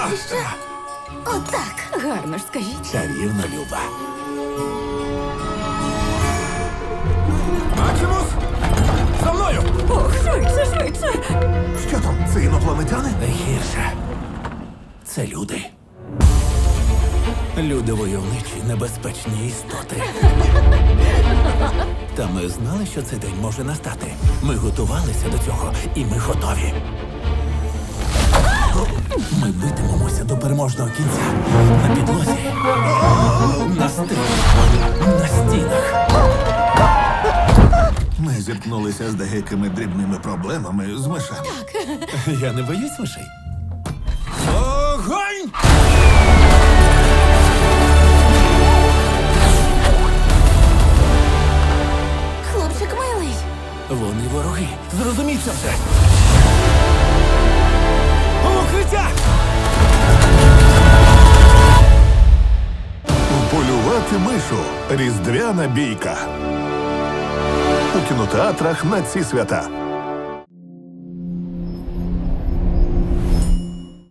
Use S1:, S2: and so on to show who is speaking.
S1: ще. Отак. Гарно ж скажіть.
S2: Чарівна Люба.
S3: Максимус! За мною!
S1: Ох, швидше, швидше.
S3: Що там, це інопланетяни?
S2: Найгірше. Це люди. Люди войовничі, небезпечні істоти. Та ми знали, що цей день може настати. Ми готувалися до цього, і ми готові. Ми битимемося до переможного кінця. На підлозі, на стилі, на стінах.
S3: Ми зіткнулися з деякими дрібними проблемами з мишами.
S2: Я не боюсь мишей. Огонь!
S1: Хлопчик милий.
S2: Вони вороги. Зрозуміть це все. Укриття!
S3: Полювати мишу. Різдвяна бійка. У кінотеатрах на ці свята.